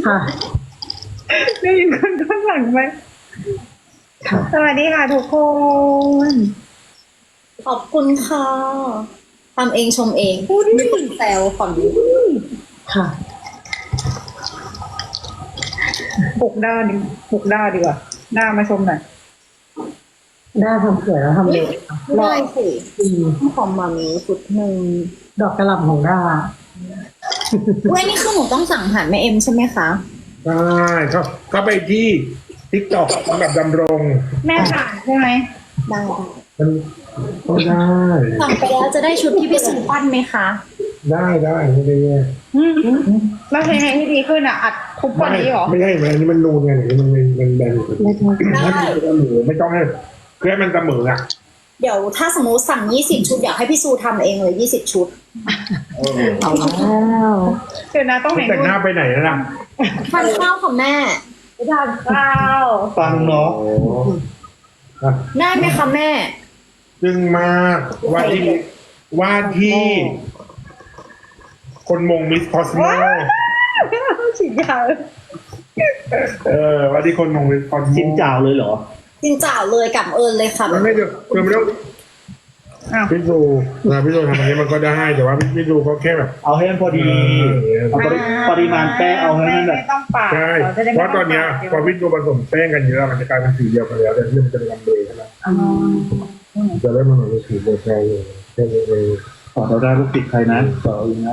ค่ะได้ยินคนข้างหลังไหมค่ะสวัสดีค่ะทุกคนขอบคุณค่ะทำเองชมเองไม่คนแซวฝั่งนี้ค่ะบุกด้าดีบุกด้าดีกว่าด้ามาชมหน่อยได้ทำสวยแล้วทำเร็วได้สิอืมของมามีชุดหนึ่งดอกกระหล่ำของด้าเว้ยนี่คือหนูต้องสั่งผ่านแม่เอ็มใช่ไหมคะใช่ก็ไปที่ทิกตอกสำหรับดำรงแม่ผ่านใช่ไหมได้มันต้องได้สั่งไปแล้วจะได้ชุดที่พี่สุปั้นไหมคะได้ไม่ได้แย่แล้วเพลงไหนที่ดีขึ้นอ่ะอัดทุกวันนี้เหรอไม่ใช่มันอันนี้มันนูนไงอันนี้มันแบนอยู่ไม่ใช่ถ้ามันเสมอไม่ต้องให้เพื่อให้มันเสมออ่ะเดี๋ยวถ้าสมมติสั่ง20ชุดอยากให้พี่ซูทำเองเลย20ชุดเอาแล้วเดี๋ยวนะต้องไหนแต่งหน้าไปไหนนะทานข้าวค่ะแม่ไปทานข้าวฟังเนาะโอ้อ่ะได้ไหมคะแม่จึงมากว่าที่คนมงมิสคอสโมฉีดยาว่าที่คนมงมิสคอสโมชิมจ่าวเลยเหรอจริงจ่าวเลยกับเอิญเลยค่ะมันไม่เดี๋ยวคือไม่ต้องอ้าวพี่ซูพี่ซูทำอันนี้มันก็ได้แต่ว่าพี่ซูเขาแค่แบบเอาให้มันพอดีเอาปริมาณแป้งเอาให้มันแบบไม่ต้องปาดใช่จะได้เพไม่ราะตอนเนี้ยพอพี่ซูผสมแป้งกันเยอะมันจะกลายเป็นสีเดียวกันแล้วแต่ที่มันจะเป็นลำเบยใช่ไหมอ๋อจะได้มันเหมือนเป็นสีเดียวกันเลยแค่นี้เองต่อเราได้ลูกติดใครนะต่อเองนะ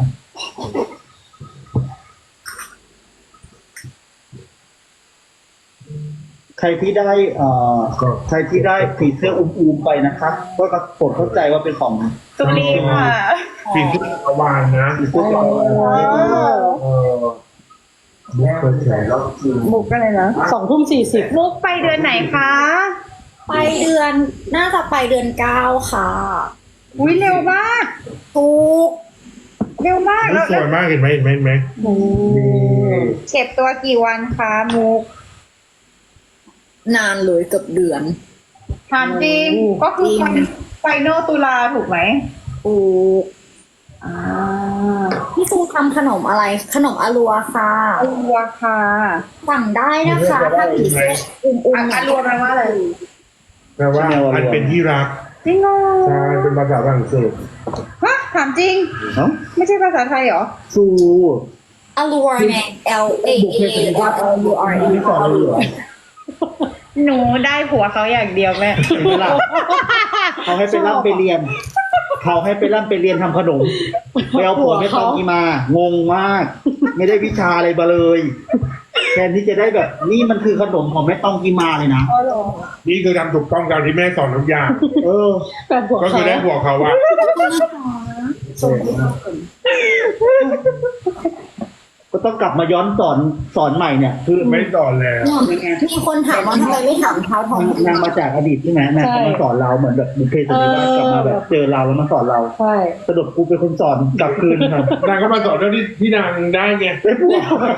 ใครที่ได้ใครที่ได้ผีเสื้ออุ้มๆไปนะคะก็โปรดเข้าใจว่าเป็นของสุรีค่ะสีที่ประวานนะผีเสื้อของเออบุ๊กเปิดแฉแล้วมุกอะไรนะ 2:40 มุกไปเดือนไหนคะไปเดือนน่าจะไปเดือน9ค่ะอุ้ยเร็วมากทุกเร็วมากนี่สวยมากเห็นไหมนี่เก็บตัวกี่วันคะมุกนานเลยเกือบเดือนถามจริง ก็คือไฟนอลตุลาถูกไหมถูกอ่าพี่ซูทำขนมอะไร ขนมอารัวค่ะอารัวค่ะสั่งได้นะคะถ้าผีเสื้ออุ้มอารัวแปลว่าอะไรแปลว่าอันเป็นที่รักจริงเหรอใช่เป็นภาษาฝรั่งเศสฮะถามจริงเอ้าไม่ใช่ภาษาไทยเหรอซูอารัวไง L A A R O U R E ไม่สอนเลยเหรอหนูได้ผัวเขาอย่างเดียวแม่เห็นไหมล่ะเขาให้ไปร่ำไปเรียนเขาให้ไปร่ำไปเรียนทำขนมไปเอาผัวไม่ต้องกีมางงมาก ไม่ได้วิชาอะไรมาเลยแทนที่จะได้แบบนี่มันคือขนมของแม่ต้องกีมาเลยนะนี่คือทำถูกต้องตามที่แม่สอนทุกอย่างเออแบบหัวก็คืเขาอได้หัวเขาว่าก็ต้องกลับมาย้อนสอนใหม่เนี่ย คือไม่สอนแล้วมีคนถามว่าทำไมไม่ถามเท้าทองนางมาจากอดีตใช่ไหมนางเขามาสอนเราเหมือนแบบบุพเพสันนิวาสกลับมาแบบเจอเราแล้วมาสอนเราใช่สรุปกูเป็นคนสอนกลับคืนครับนางก็มาสอนเรื่องที่นางได้ไงได้ผัว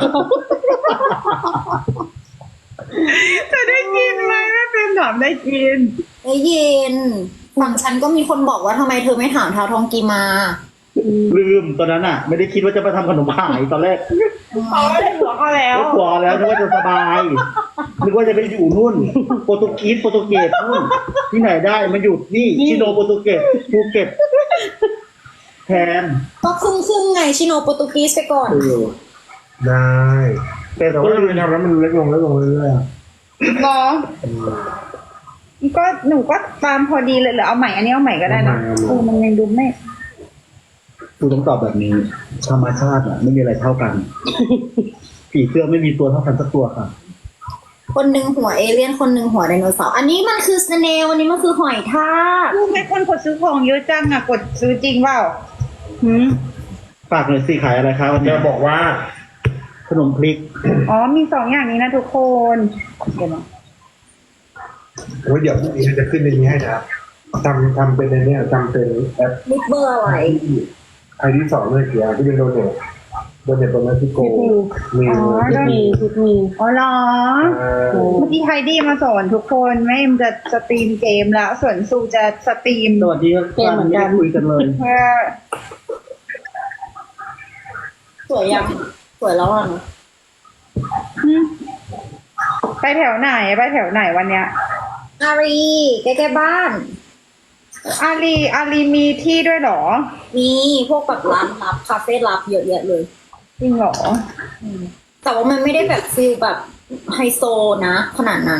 จะได้กินไหมแม่เป็นถามได้กินได้ยินฝั่งฉันก็มีคนบอกว่าทำไมเธอไม่ถามเท้าทองกีมาลืมตอนนั้นอ่ะ ไม่ได้คิดว่าจะไปทำขนมขายตอนแรกเขาได้ผัวเขาแล้วไม่กลัวแล้วนึกว่าจะสบายนึกว่าจะไปอยู่นู่นโปรตุเกสนู่นที่ไหนได้มาอยู่นี่ชิโนโปรตุเกสภูเก็ตแทนก็ครึ่งไงชิโนโปรตุกีสไปก่อนได้แต่แต่ก็ว่าลืมทำแล้วมันเล็กลงเรื่อยบอก็หนูก็ตามพอดีเลยเหรือเอาใหม่อันนี้เอาใหม่ก็ได้นะมันยังดูไม่กูต้องตอบแบบนี้ ธรรมชาติอ่ะไม่มีอะไรเท่ากัน ผีเสื้อไม่มีตัวเท่ากันสักตัวค่ะคนหนึ่งหัวเอเลี่ยนคนหนึ่งหัวไดโนเสาร์อันนี้มันคือสเนลอันนี้มันคือหอยทากรู้ไหมคนกดซื้อของเยอะจังอ่ะกดซื้อจริงเปล่าหืมฝากหน่อยสิขายอะไรคะวันๆนี้จะบอกว่าขนมพริกอ๋อมี2อย่างนี้นะทุกคนเดี๋ยวนะโอ้ยเดี๋ยวพรุ่งนี้จะขึ้นในนี้ให้นะทำเป็นในนี้ทำเป็นแอปลิปเบอร์อะไรไอที่สองเลยเกียร์ที่เป็นโดเนทตรงนั้นที่โกมีมีอ๋อเหรอเมื่อกี้ไฮดี้มาสอนทุกคนแม่เอ็มจะสตรีมเกมแล้วส่วนซูจะสตรีมสวัสดีครับไม่ได้คุยกันเลยเพื่อสวยยังสวยแล้วอ่ะไปแถวไหนวันเนี้ยอารีใกล้ๆบ้านอารีมีที่ด้วยเหรอมีพวกแบบร้านลับคาเฟ่ลับเยอะแยะเลยจริงเหรอแต่ว่ามันไม่ได้แบบฟีลแบบไฮโซนะขนาดนั้น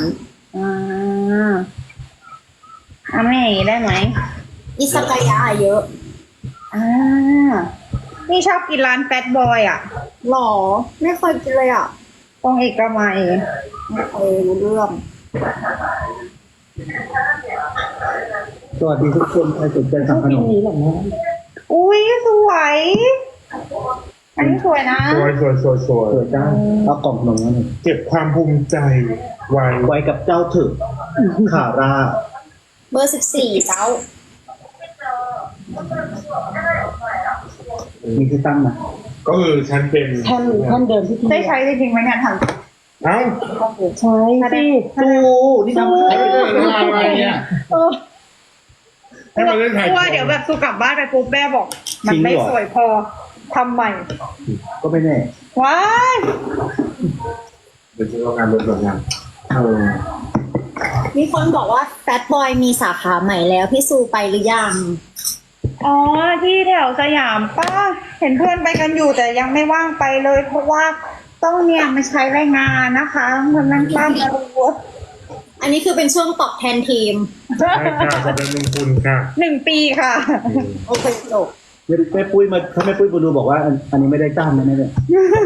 ไม่อย่างนี้ได้ไหมอิซากายะเยอะนี่ชอบกินร้านแฟตบอยอ่ะหรอ ไม่เคยกินเลยอ่ะตรงเอกมัยไม่เคยรู้เรื่องสวัสดีทุกคนใครสนใจชอบทำขกินนมนี้เหรอแม่อุ้ยสวย อันนี้สวยนะสวยเปิดได้เอากล่องขนมมาหน่อยเก็บความภูมิใจไว้ไว้กับเจ้าเถอะขาร่าเบอร์14เจ้ามีที่ตั้งนะก็คือฉันเป็นแท่นเดิมที่พี่ได้ใช้จริงๆไหมเนี่ยทเอ้าใช่สิสู้นี่ทำไม่ได้อะไรเนี่ยเออให้มาเล่นำถ่ายกลัวเดี๋ยวแบบสู้กลับบ้านไปปุ๊บแม่บอก มันไม่สวยพอทำใหม่ก็ไม่แน่ว้ายเดี๋ยวจะลองงานบนงานมีคนบอกว่าแฟตบอยมีสาขาใหม่แล้วพี่ซูไปหรือยังอ๋อที่แถวสยามป้าเห็นเพื่อนไปกันอยู่แต่ยังไม่ว่างไปเลย เพราะว่าต้องเนี่ยมาใช้แรงงานนะคะมันนั่งป้ามาดูอันนี้คือเป็นช่วงตอบแทนทีมใช่ค่ะขอบคุณคุณค่ะ 1 ปีค่ะโอเคจบแม่ปุ้ยมาถ้าแม่ปุ้ยมาดูบอกว่าอันนี้ไม่ได้จ้างนะแม่เนี่ย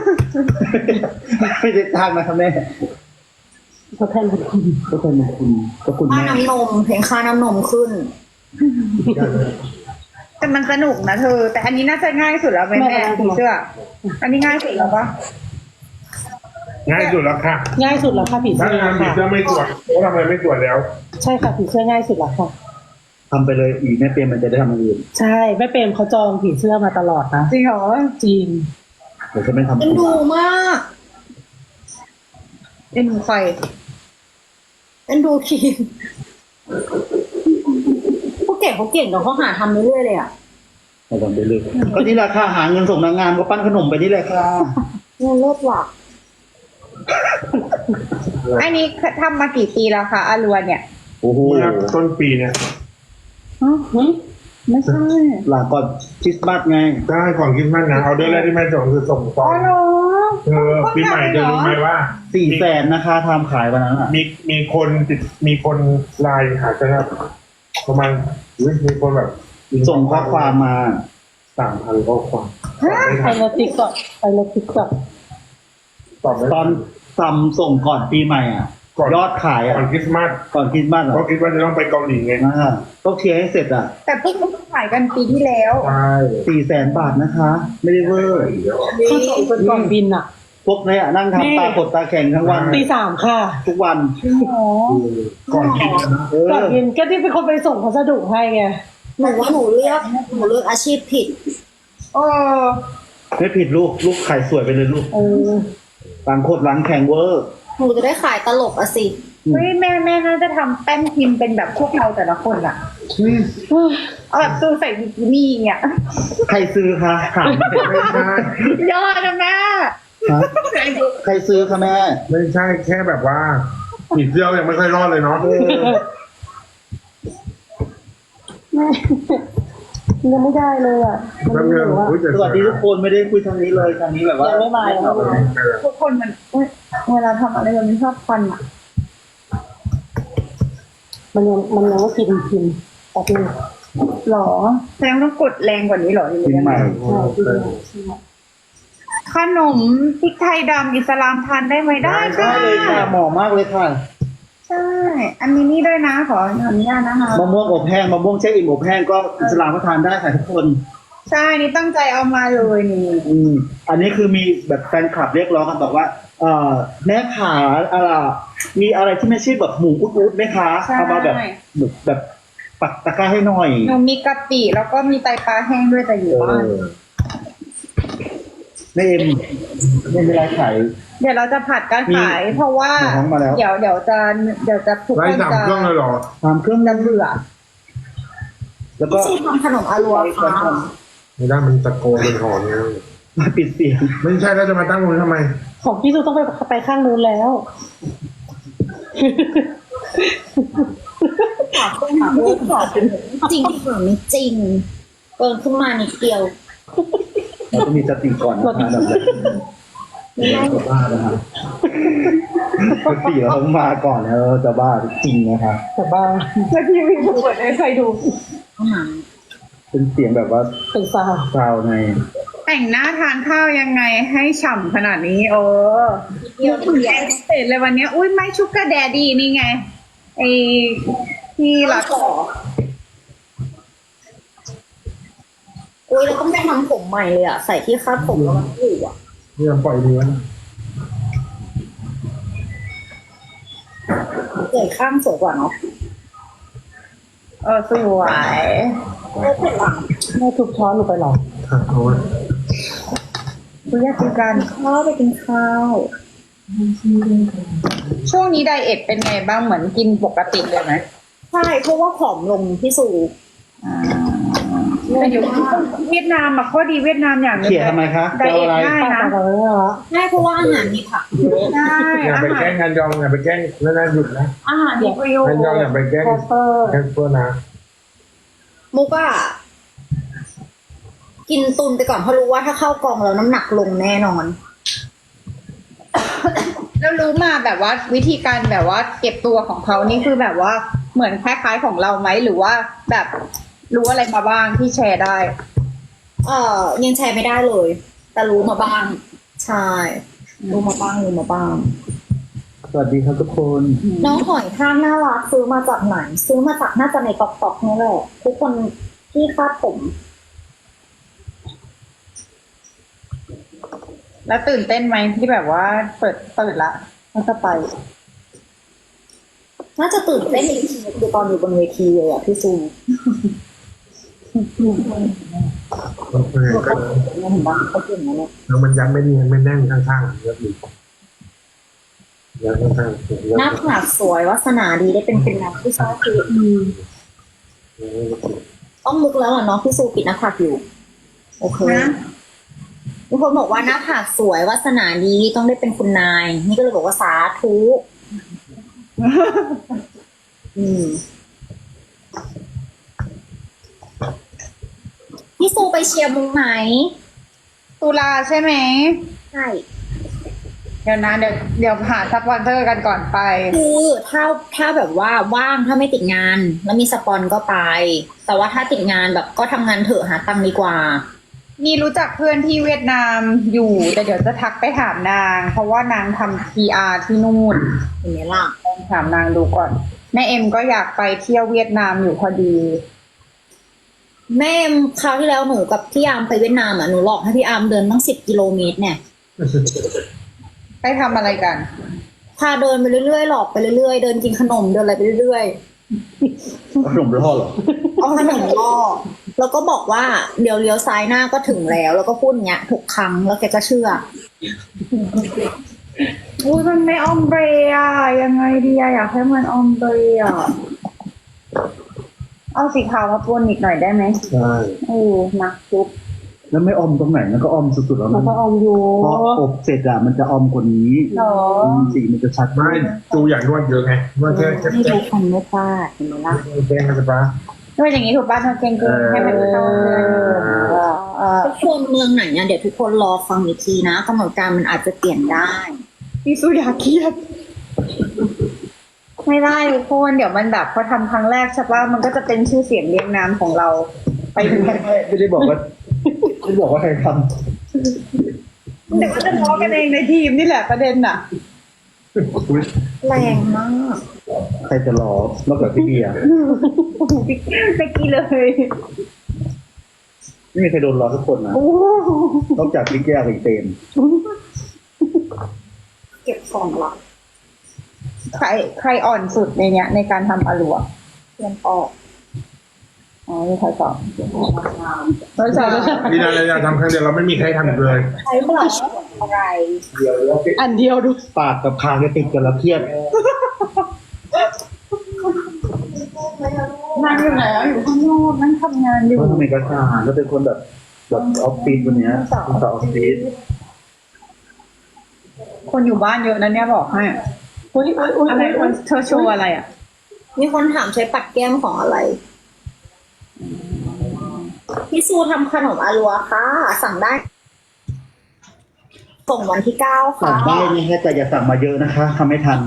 ไม่ได้จ้างนะครับแม่เขาแท่นของคุณก็เป็นคุณก็คุณค่าแม่น้ำนมเพลงค่าน้ำนมขึ้นแต่มันสนุกนะเธอ แต่อันนี้น่าจะง่ายสุดแล้วไหมแม่ผีเสื้อ อันนี้ง่ายสุดแล้วปะง่ายสุดแล้วค่ะง่ายสุดแล้วค่ะผีถ้าเสื้องานผีค่ะเสื้อไม่ตรวจเขาทำอะไรไม่ตรวจแล้วใช่ค่ะผีเสื้อง่ายสุดแล้วค่ะทำไปเลยอีกแม่เปียมันจะได้ทำอย่างอื่นใช่แม่เปรมเขาจองผีเสื้อมาตลอดนะจริงเหรอจริงเดี๋ยวจะไม่ทำเป็นดูมากเป็นใครเป็นดูทีมพวกเก่งเขาเก่งแต่เขาหาทำเรื่อยๆเลยอ่ะไม่ทำไปเลยก็นี่แหละค่ะหาเงินส่งนางงามก็ปั้นขนมไปนี่แหละค่ะเงินเลิศว่ะอันนี้ทำมากี่ปีแล้วคะอารัวเนี่ยโอ้โหเมื่อต้นปีเนี่ยไม่ใช่หลังก่อนคริสต์มาสไงได้ก่อนคริสต์มาสนะเอาเดือนแรกที่แม่ส่งคือส่งตอ๋ออน เหรอปีใหม่จะรู้ไหมว่า 400,000นะคะทำขายวันนั้นอ่ะมีคนไลน์หาจะประมาณมีคนแบบส่งข้อความมา 3,000 ข้อความตอบไม่ไปทันรถติ๊กก่อนไปรถติ๊กก่อนตอบไม่ตอนทำส่งก่อนปีใหม่อ่ะ ยอดขายอ่ะก่อนคริสต์มาสก่อนคริสต์มาสอ่ะเพราะคิดว่าจะต้องไปเกาหลีไงต้องเคลียร์ให้เสร็จอ่ะแต่เพิ่งขายกันปีที่แล้วใช่ 400,000 บาทนะคะ ไม่ได้เวอร์เขาส่งคนก่อนบินอ่ะพวกเนี้ยนั่งทำตาขดตาแข็งทั้งวันตี 3ค่ะทุกวันอ๋อก่อนคิดนะเออก่อนบินก็ที่เป็นคนไปส่งพัสดุให้ไงหนูว่าหนูเลือกอาชีพผิดเออไม่ผิดลูกขายสวยไปเลยลูกเออหลังโคตรหลังแข็งเวอร์หนูจะได้ขายตลกอะสิเฮ้ยแม่น่าจะทำแป้นพิมพ์เป็นแบบพวกเราแต่ละคนอะเอาแบบตู้ใส่บิกินี่เนี่ยใครซื้อคะถามไม่ใช่ยอดนะแม่ฮะใครซื้อคะแม่ไม่ใช่แค่แบบว่าผีเสื้อยังไม่ค่อยรอดเลยเนาะยังไม่ได้เลยอ่ะมันไม่รู้ว่าสวัสดีทุกคนไม่ได้คุยทางนี้เลยทางนี้แบบว่ายังไม่มายังไม่มาทุกคนมันเวลาทำอะไรมันชอบควันอะมันยังไม่กินแต่กินหรอแสดงต้องกดแรงกว่านี้หรอปีใหม่ใช่ขนมพริกไทยดำอิสลามทานได้ไหมได้ได้เลยค่ะเหมาะมากเลยค่ะใช่ อันนี้นี่ด้วยนะขออนุญาตนะคะมะม่วงอบแห้งมะม่วงแช่อิ่มอบแห้งก็อิสลามก็ทานได้ค่ะทุกคนใช่นี่ตั้งใจเอามาเลยนี่อันนี้คือมีแบบแฟนคลับเรียกร้องกันบอกว่าแม่ขามีอะไรที่ไม่ใช่แบบหมูอุดๆไหมคะเอามาแบบปักตะกร้าให้หน่อยหนูมีกะปิแล้วก็มีไตปลาแห้งด้วยแต่อยู่บ้านแม่เอ็มไม่มีอะไรขายเดี๋ยวเราจะผัดกันขาย เพราะว่ามีของมาแล้วเดี๋ยวจะทุกไล่คนสามจะเครื่องเลยเหรอทำเครื่องจะเบื่อแล้วก็พี่ซีทำขนมอารัวค่ะไม่ได้มันตะโกนเป็นหอนไงมาปิดเสียงไม่ใช่แล้วจะมาตั้งตรงนี้ทำไมของพี่ซูต้องไปข้างนู้นแล้วขอโทษขอจริงที่หรือไม่จริงเกินขึ้นมานิดเดียวเราต้องมีสติก่อนนะคะแบบนี้เราจะบ้านะครับสติเราต้องมาก่อนแล้วเราจะบ้าจริงนะคะแต่บ้างแล้วพี่วิ่งเปิดให้ใครดูห้องน้เป็นเสียงแบบว่าเป็นซาวซาวในแต่งหน้าทานข้าวยังไงให้ฉ่ำขนาดนี้โอ้ำเดียวถึงแอนเสร็จเลยวันเนี้ยอุ้ยไม่ชุกกระแดดีนี่ไงไอที่รักขออุ้ยแล้วก็ไม่ทำผมใหม่เลยอ่ะ ใส่ที่คาดผมแล้วมันอยู่อ่ะนี่ยังปล่อยมือนะเกิดข้างสวยกว่าเนาะสวยไม่เป็นหลังแม่ทุบช้อนหนูไปหรอเอาไว้คุณอยากกินกันข้าวไปกินข้าวช่วงนี้ไดเอทเป็นไงบ้างเหมือนกินปกติเลยไหมใช่เพราะว่าผอมลงพี่สูแต่อยู่เวียดนามอะข้อดีเวียดนามอย่างหนึงเขี่ยทำไมคะไดจะเอาเอทอะไรง่ายป้านะตาเลยเหรอใช่เพราะว่าอาหารมีผักเยอะใช่อย่าอาไปหาแกล้รงงงานยองอย่าไปแกล้งแล้วน่าหยุดนะอาหารมีประโยชงานน์ยองอย่าไปแกล้งแคสเปอร์แค่เพื่อนะมุกอะกินตุนไปก่อนเพราะรู้ว่าถ้าเข้ากองแล้วน้ำหนักลงแน่นอนแล้วรู้มาแบบว่าวิธีการแบบว่าเก็บตัวของเขานี่คือแบบว่าเหมือนคล้ายๆของเราไหมหรือว่าแบบรู้อะไรมาบ้างที่แชร์ได้ยังแชร์ไม่ได้เลย แต่รู้มาบ้าง ใช่ รู้มาบ้างสวัสดีครับทุกคนน้องหอยทากน่ารักซื้อมาจากไหน ซื้อมาจากน่าจะในก๊อกๆนี่แหละทุกคนที่คาดผมแล้วตื่นเต้นไหมที่แบบว่าเปิดละแล้วจะไปน่าจะตื่นเต้นอีกทีคือตอนอยู่บนเวทีเลยอ่ะพี่ซูโอเคก็เห็นปะเขาเก่งนะเนี่ยแล้วมันยัดไม่ดีไม่แน่นข้างๆยัดดียัดข้างๆหน้าผากสวยวาสนาดีได้เป็นนางผู้ชายคือต้องมุกแล้วเหรอเนาะพี่ซูปิดหน้าผากอยู่ โอเคนะทุกคนบอกว่าหน้าผากสวยวาสนาดีต้องได้เป็นคุณนาย นี่ก็เลยบอกว่าสาธุพี่ซูไปเชียร์มุงไหมตุลาใช่ไหมใช่เดี๋ยวนะเดี๋ยวหาสปอนเซอร์กันก่อนไปคือถ้าแบบว่าว่างถ้าไม่ติดงาน แล้วมีสปอนก็ไป แต่ว่าถ้าติดงานแบบก็ทำงานเถอะหาตังค์ดีกว่ามีรู้จักเพื่อนที่เวียดนามอยู่แต่เดี๋ยวจะทักไปถามนาง เพราะว่านางทำ PR ที่นู่นเห็นไหมล่ะลองถามนางดูก่อนแม่เอ็มก็อยากไปเที่ยวเวียดนามอยู่พอดีแม่คราวที่แล้วหนูกับพี่อาร์มไปเวียดนามอ่ะหนูหลอกให้พี่อาร์มเดินตั้ง10 กิโลเมตรเนี่ยไปทำอะไรกันพาเดินไปเรื่อยๆหลอกไปเรื่อยๆเดินกินขนมเดินอะไรไปเรื่อยขนมรอดเหรอๆเอาขนมล่อแล้วก็บอกว่าเดี๋ยวเลี้ยวซ้ายหน้าก็ถึงแล้วก็พูดอย่างเงี้ยทุกครั้งแล้วแกก็เชื่ออุ้ยมันไม่ออมเบรอะยังไงดีอะอยากให้มันออมเบรอะเอาสีขาวมาปนอีกหน่อยได้ไหมใช่นักจุ๊บแล้วไม่ออมตรงไหนมันก็ออมสุดๆแล้วแล้วก็ออมอยู่พออบเสร็จอะมันจะออมกว่านี้หรอสีมันจะชัดไม่ดูอย่างนวดเยอะไงนวดแค่ให้ทุกคนไม่พลาดเห็นไหมล่ะแกล้งกันจะปะด้วยอย่างนี้ถูกป่ะทำเก่งๆให้มันเข้าเลยทุกคนเมืองไหนเนี่ยเดี๋ยวทุกคนรอฟังอีกทีนะกำหนดการมันอาจจะเปลี่ยนได้พี่สุอยาเครียด ไม่ได้ทุกคนเดี๋ยวมันแบบพอทำครั้งแรกใช่ป่ะมันก็จะเป็นชื่อเสียงเรียงนามของเราไปถึงไม่ได้บอกว่าไม่ได้บอกว่าใครทเดี๋ยวก็จะล้อกันเองในทีมนี่แหละประเด็นน่ะแรงมากำใครจะรอนอกจากพี่เบียร์ไปกี้เลยไม่มีใครโดนรอทุกคนนะโอ้นอกจากพี่แก้วกับอีเตมเก็บของละใครอ่อนสุดในเนี้ยในการทำอลัวเตรียมออกอ๋อนี่ใครสอนไม่ใช่ดีนะเราทำครั้งเดียวเราไม่มีใครทำอีกเลยใช้บลัชอะไรอันเดียวดูปากกับคางจะติดกันแล้วเครียดนั่งอยู่ไหนอยู่ข้างนอกนั่งทำงานอยู่เพราะทำไมกระชาแล้วเป็นคนแบบแบบออฟฟิศวันเนี้ยต่อออฟฟิศคนอยู่บ้านเยอะนะเนี่ยบอกให้อุ้ยอุ้ยอุ้ยอะไรอุ้ยเธอโชว์อะไรอ่ะมีคนถามใช้ปัดแก้มของอะไร พี่ซูทำขนมอาลัวค่ะ สั่งได้ ส่งวันที่ 9 ค่ะสั่งได้นี่แค่แต่อย่าสั่งมาเยอะนะคะทำไม่ทัน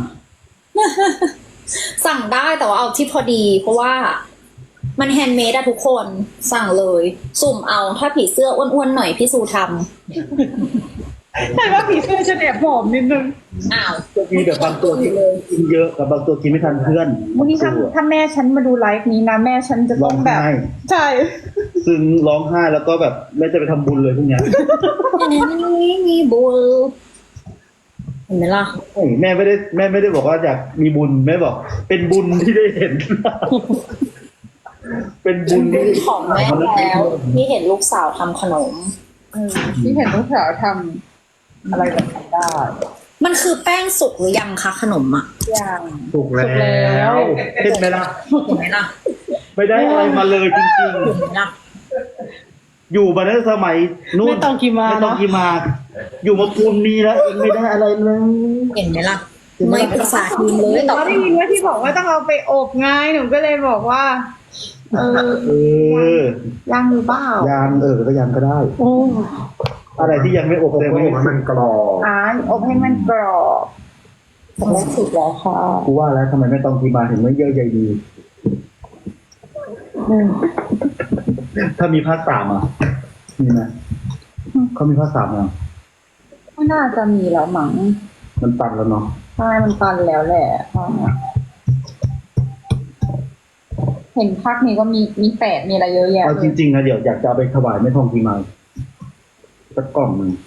สั่งได้แต่ว่าเอาที่พอดี เพราะว่ามันแฮนด์เมดอะทุกคนสั่งเลย สุ่มเอาถ้าผีเสื้ออ้วนๆหน่อยพี่ซูทใช่ว่าผีเสื้อจะแอบผอมนิดนึงำอ้าวจะมีแบบบางตัวที่กินเยอะกับบางตัวกินไม่ทันเพื่อนวันนี้ถ้าแม่ฉันมาดูไลฟ์นี้นะแม่ฉันจะร้ต้ออง งแบบไห้ใช่ซึ้งร้องไห้แล้วก็แบบไม่จะไปทำบุญเลยพวกเนี้ยมีบุญเห็นไหมล่ะเฮ้ยแม่ไม่ได้บอกว่าอยากมีบุญแม่บอก เป็นบุญที่ได้เห็น เป็นบุญที่ของแม่แล้วที่เห็นลูกสาวทำขนมที่เห็นลูกสาวทำอะไรแบบนี้ได้มันคือแป้งสุกหรือยังคะขนมอ่ะอย่างถูกแล้วเห็นไหมล่ะเห็นไหมล่ะไม่ได้อะไรมาเลยจริงเห็นไหมล่ะๆ อยู่มาตั้งแต่สมัยนู่นไม่ต้องกี่มาไม่ต้องเนาะกี่มา อยู่มาปูนนี้แล้วเองไม่ได้อะไรเลยเห็นไหมล่ะไม่ปรึกษาทีมเลยต่อเราได้ยินว่าที่บอกว่าต้องเอาไปอบไงหนูก็เลยบอกว่าเออยังหรือเปล่ายางก็ยางก็ได้โอ้อะไรที่ยังไม่อบผมแต่ก็ไม่บอกว่ามันกรอบอบให้มันกรอบแล้วสุดแล้วค่ะกูว่าแล้วทำไมไม่ต้องกี่มาถึงไม่เยอะใยดีอืมถ้ามีภาคสามอ่ะมีไหมเขามีภาคสามยังก็น่าจะมีแล้วมั้งมันตันแล้วเนาะใช่มันตันแล้วแหละเห็นภาคนี้ก็มีแปดมีอะไรเยอะแยะเอาเลจยริงๆนะเดี๋ยวอยากจะเอาไปถวายแม่ทองกี่มาสักกล่องหนึ่ง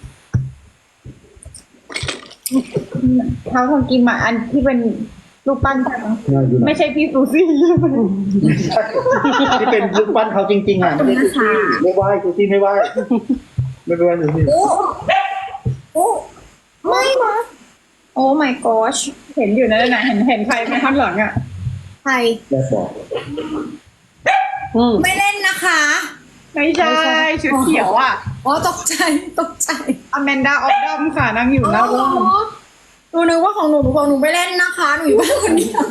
เท้าทองกิมอ่ะอันที่เป็นรูปปั้นใช่ไหมน่าอยู่นะไม่ใช่พี่ซูซี่ใช่ไหมที่เป็นรูปปั้นเขาจริงๆอ่ะไม่ได้ซูซี่ไม่ไหว้ซูซี่ไม่ไหว้ไม่ไปไหว้ซูซี่โอ้ไม่นะ โอ้ my gosh เห็นอยู่นั่นน่ะเห็นใครไหมข้างหลังอ่ะใครแม่บอกอืมไม่เล่นนะคะไม่ใช่ชุดเขียวอ่ะอ๋อตกใจอแมนดาออฟดัมค่ะนั่งอยู่หน้าร่มหนูนึกว่าของหนูไม่เล่นนะคะหนูอยู่บ้านคนเดียว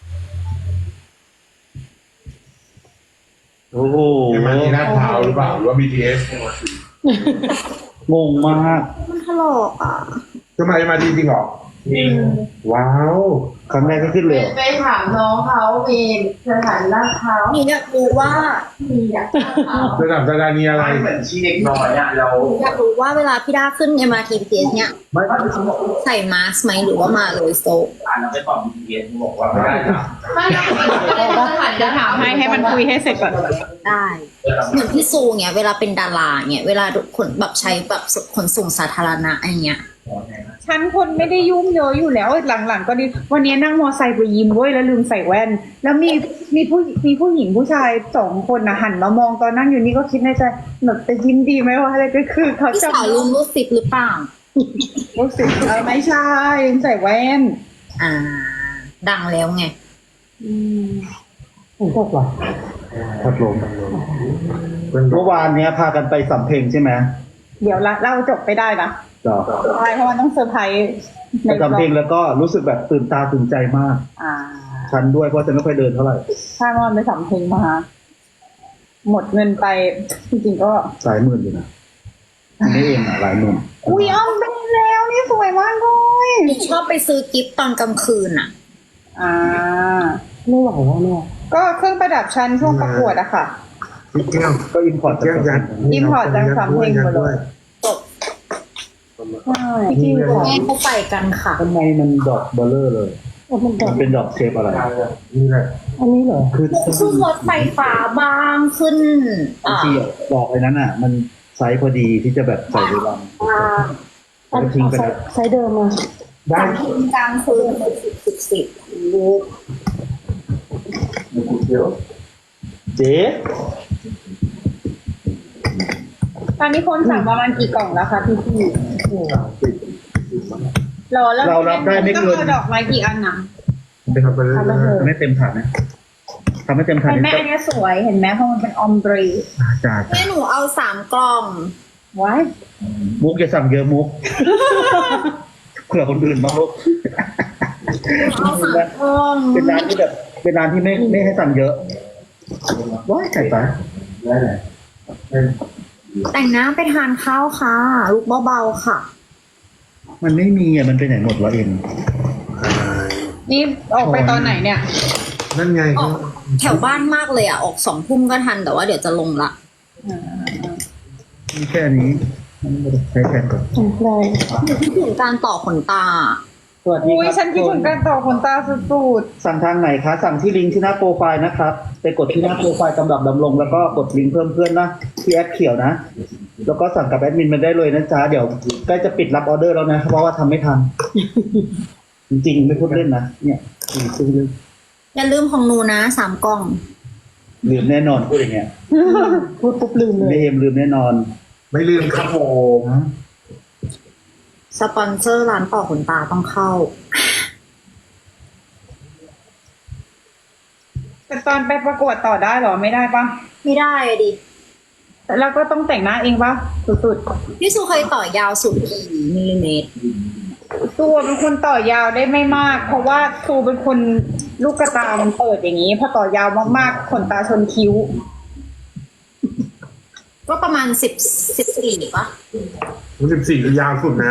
โอ้โหมันมีหน้าเท้าหรือเปล่าหรือว่า BTS งงมากมันถลอกอ่ะจะมาจริงเหรอว้าวครั้งแรกก็ขึ้นเลยเหรอไปถามน้องเขามีสถานลาดพร้าวหนูอยากรู้ว่ามีอยากลาดพร้าวจะถามดารานีอะไรเหมือนชีเด็กน้อยอ่ะเราอยากรู้ว่าเวลาพี่ด้าขึ้น MRT BTS เนี่ยไม่ไม่เขาบอกใส่มาสก์ไหมหรือว่ามาเลยโซอ่านแล้วไปตอบ BTS บอกว่าไม่ได้นะไม่ต้องสถานจะถามให้มันคุยให้เสร็จก่อนได้เหมือนพี่ซูเนี่ยเวลาเป็นดาราเนี่ยเวลาขนแบบใช้แบบขนส่งสาธารณะอะไรเงี้ยฉันคนไม่ได้ยุ่งเยอะอยู่แล้วหลังๆก็ดีวันนี้นั่งมอไซค์ไปยิมเว้ยแล้วลืมใส่แว่น แล้วมีผู้หญิงผู้ชาย2 คนนะหันมามองตอนนั่งอยู่นี่ก็คิดในใจหนูจะยิ้มดีไหมวะอะไรก็คือเขาพี่จะสาวลืมรูดซิปหรือเปล่ารู้สึกไม่ใช่ลืมใส่แว่นดังแล้วไงฝนตกเหรอพัดลมเมื่อวานเนี้ยพากันไปสำเพ็งใช่ไหมเดี๋ยวเราจบไปได้นะจ้ะใช่เพราะมันต้องเซอร์ไพรส์ในไปสำเพ็งแล้วก็รู้สึกแบบตื่นตาตื่นใจมากอ่าฉันด้วยเพราะฉันไม่ค่อยเดินเท่าไหร่ถ้ามันไปสำเพ็งมาหมดเงินไปจริงๆก็หลายหมื่นอยู่นะนี่เองอ่ะหลายหมื่นอุ้ยอ้อมเป็นแล้วนี่สวยมากเลยหนูชอบไปซื้อกิฟต์ตอนกลางคืนอ่ะอ่าไม่ไหวแล้วเนี่ยก็เครื่องประดับชั้นช่วงประกวดอะค่ะพี่แก้วก็อินพอร์ตแก้วยัด import จากสำเพ็งหมดเลยใช่ที่แม่เขาไปกันค่ะทำไมมันดอกเบลเลอร์เลยมันดอกมันเป็นดอกเชฟอะไรนี่แหละอันนี้เหรอคือขึ้นรถไฟฟ้าบ้างขึ้นบางทีดอกไอ้นั้นอ่ะ มันไซส์พอดีที่จะแบบใส่ในรังอันก็ทิ้งไปแล้วไซส์เดิมมาได้สามทุ่มกลางคืนสิบลูกเจ๊ตอนนี้คนสั่งประมาณกี่กล่องแล้วคะพี่รอแล้วเรารับได้ไม่เกินต้องเอาดอกไม้กี่อันนะเป็นไปเลยไม่เต็มถาดนะำให้เต็มถังเห็นไหมอันเนี้ยสวยเห็นไหมเพราะมันเป็นออมบรีจ้าแม่หนูเอา3 กล่องไว้มุกอย่าสั่งเยอะมุกเผื่อคนอื่นบ้างลูกเอา3 กล่องเป็นร้านที่แบบเป็นร้านที่ไม่ให้สั่งเยอะว้ายใส่ไปได้ไหนแต่งหน้าไปทานข้าวค่ะลูกเบาๆค่ะมันไม่มีอ่ะมันไปไหนหมดวะเอ็มนี่ออกไปตอนไหนเนี่ยนั่นไงออกแถวบ้านมากเลยอ่ะ ออก2 ทุ่มก็ทันแต่ว่าเดี๋ยวจะลงละมีแค่นี้มันไม่ได้ใช้แทนก่อนของใครคิดถึงการต่อขนตาสวัสดีอุ้ยครับฉันคิดถึงการต่อขนตาสุดสั่งทางไหนคะสั่งที่ลิงก์ที่หน้าโปรไฟล์นะครับไปกดที่หน้าโปรไฟล์กำลับดำรงแล้วก็กดลิงก์เพิ่มเพื่อนนะที่แอปเขียวนะแล้วก็สั่งกับแอดมินมาได้เลยนะจ๊ะเดี๋ยวใกล้จะปิดรับออเดอร์แล้วนะเพราะว่าทำไม่ทัน จริงๆไม่พูดเล่นนะเนี่ยซื้อเลยอย่าลืมของหนูนะ3 กล่องลืมแน่นอนพูดอย่างเงี้ยพูดปุ๊บลืมเลไม่ยเอ็มลืมแน่นอนไม่ลืมครับผมสปอนเซอร์ร้านต่อขนตาต้องเข้าๆแต่ตอนไปประกวดต่อได้เหรอไม่ได้ปะไม่ได้อะดิแล้วก็ต้องแต่งหน้าเองปะสุดพี่ซูเคยต่อยาวสุดกี่มิลลิเมตรๆตัวเป็นคนต่อยาวได้ไม่มาก เพราะว่าครูเป็นคนลูกกระตามันเปิดอย่างนี้พอต่อยาวมากๆขนตาชนคิ้วก็ประมาณ14ปะ 14คือยาวสุดนะ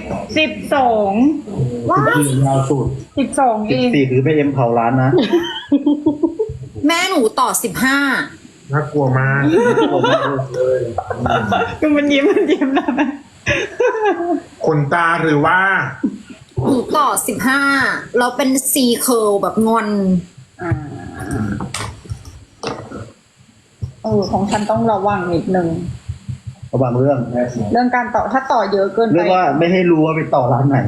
12 ว้า 14ยาวสุด 12เอง 14คือไม่เอ็มเผาร้านนะแม่หนูต่อน่ากลัวมากเลยคือมันยิ้มนะขนตาหรือว่า 15หนูต่อ15แล้วเป็น C curl แบบงอนของฉันต้องระวังนิดนึงระวังเรื่องเรื่องการต่อถ้าต่อเยอะเกินเรื่ไปองว่าไม่ให้รู้ว่าไปต่อร้านไหน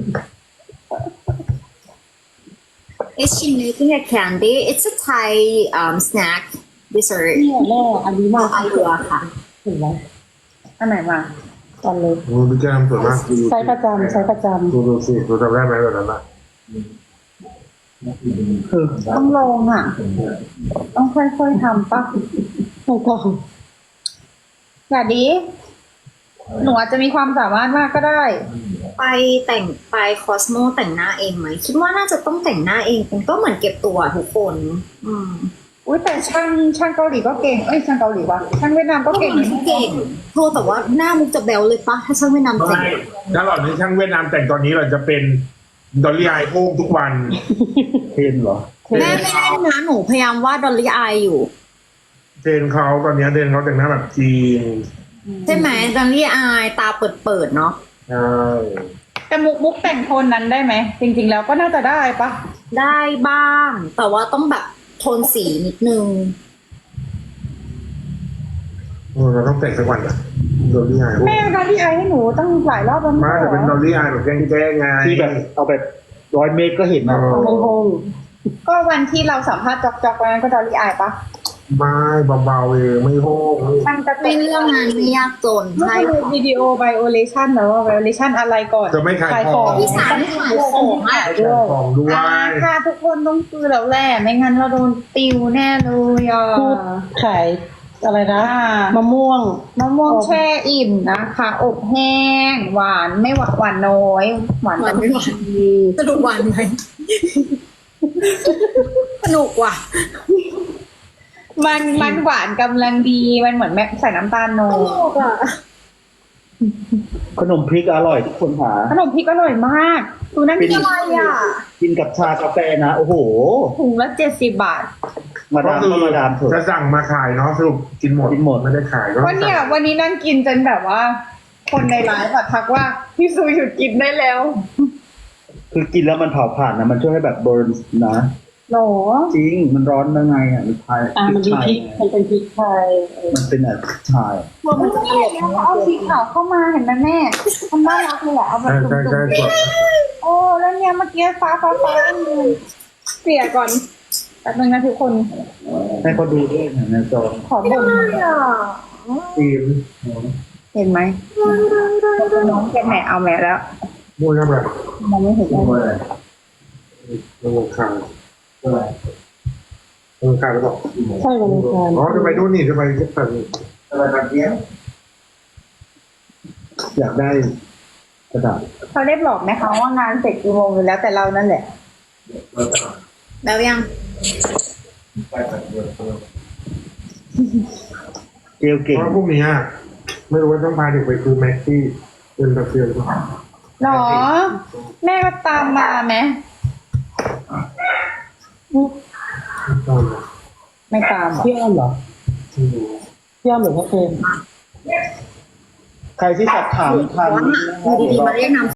Is she making a candy? It's a Thai snack dessert เนี่ยแม่อันนี้มาอาเรือค่ะถึงแล้วอันไหนมาตอนเลยโอ้พี่แก้มสวยมากใช้ประจำใช้ประจำดูสิดูจำได้ไหมแบบนั้นอ่ะต้องลองอ่ะ ต้องค่อยๆทำปะไม่ต้องอย่าดี หนูอาจจะมีความสามารถมากก็ได้ไปคอสโมแต่งหน้าเองไหมคิดว่าน่าจะต้องแต่งหน้าเองเป็นก็เหมือนเก็บตัวทุกคนอุ้ยแต่ช่างเกาหลีก็เก่งเอ้ยช่างเกาหลีวะช่างเวียดนามก็เก่งเก่งโทษแต่ว่าหน้ามุกจะแบลเลยปะถ้าช่างไม่นำแต่งไม่ถ้าหล่อนที่ช่างเวียดนามแต่งตอนนี้เราจะเป็นดอลลี่ไอโค้งทุกวันเทนเหรอแม่ไม่ได้นะหนูพยายามวาดดอลลี่อายอยู่เทรนเขาตอนนี้เทรนเขาแต่งหน้าแบบจีนใช่ไหมดอลลี่อายตาเปิดเนาะใช่แต่มุกแต่งโทนนั้นได้ไหมจริงๆแล้วก็น่าจะได้ปะได้บ้าง แต่ว่าต้องแบบโทนสีนิดนึงเราต้องแต่งสักวันอะดอลลี่ไอโค้งแม่การที่ไอให้หนูตั้งหลายรอบแล้วมาแต่เป็นดอลลี่ไอแบบแกล้งๆไงที่แบบเอาแบบ100 เมตรก็เห็นนะในห้องก็วันที่เราสัมภาษณ์จอกๆวันนั้นก็ดอลลี่ไอปะไม่เบาๆเองไม่โค้งช่างจะไม่เรื่องงานไม่ยากจนใช่ใช่คือวิดีโอไวโอเลชันนะว่าไวโอเลชันอะไรก่อนจะไม่ขายของพี่สารขายของอ่ะขายของด้วยค่ะทุกคนต้องซื้อแล้วแหละไม่งั้นเราโดนติวแน่เลยอ่ะพูดขายอะไรนะอ่ามะม่วงมะม่วงแช่อิ่มนะคะ อบแห้ง หวานไม่หวานหวานน้อย หวานหวานไม่หวานดีสนุกหวานไหมสนุกว่ะมันหวานกำลังดีมันเหมือนแม่ใส่น้ำตาลโนสนุกอ่ะขนมพริกอร่อยทุกคนหาขนมพริกอร่อยมากดูนั่นเป็นกินอะไรอ่ะกินกับชากาแฟนะโอ้โหถุงละ70 บาทมาดามก็มาดามเถจะอะสั่งมาขายเนาะสรุปกินหมดกินหมดไม่ได้ขายก็วันเนี้ยวันนี้นั่งกินจนแบบว่า คนในไลฟ์อะทักว่าพี่ซูหยุดกินได้แล้วคือกินแล้วมันเผาผ่านนะมันช่วยให้แบบเบิร์นนะหรอจริงมันร้อนยังไงอ่ะมันไทยมันมีพริกมันเป็นพริกไทยมันเป็นอะไรชายว่ามันจะตลกเอาสีขาวเข้ามาเห็นไหมแม่มันน่ารักเลยอะเอาแบบใช่จุ่ใช่มใช่สวยๆโอ้แล้วเนี่ยเมื่อกี้ฟ้าเสียก่อนแป๊บนึงนะทุกคนให้เขาดูด้วยนะในจอขอบ่นทีมเห็นไหมน้องแกแหนเอาแม่แล้วมวยอะไรมองไม่เห็นเลยระบบข่าวกายไปบอกใช่วันอังคารอ๋อจะไปนู่นนี่จะไปแบบนี้อะไรแบบนี้อยากได้กระดาษเขาได้บอกไหมคะว่างานเสร็จกี่โมงอยู่แล้วแต่เรานั่นแหละแล้วยังไปแบบเดียวเกลเพเก่งราะว่าพรุ่งนี้ไม่รู้ว่าต้องพาเด็กไปคือแม็กซี่เป็นตะเกียบหรือเปล่าหรอ แม่ก็ตามมาไหม ไม่ตามเหรอพี่อ้อมเหรอพี่อ้อมหรือพ่อเฟรมใครที่สอบถามทางอยู่ดีๆมาเรียกนาม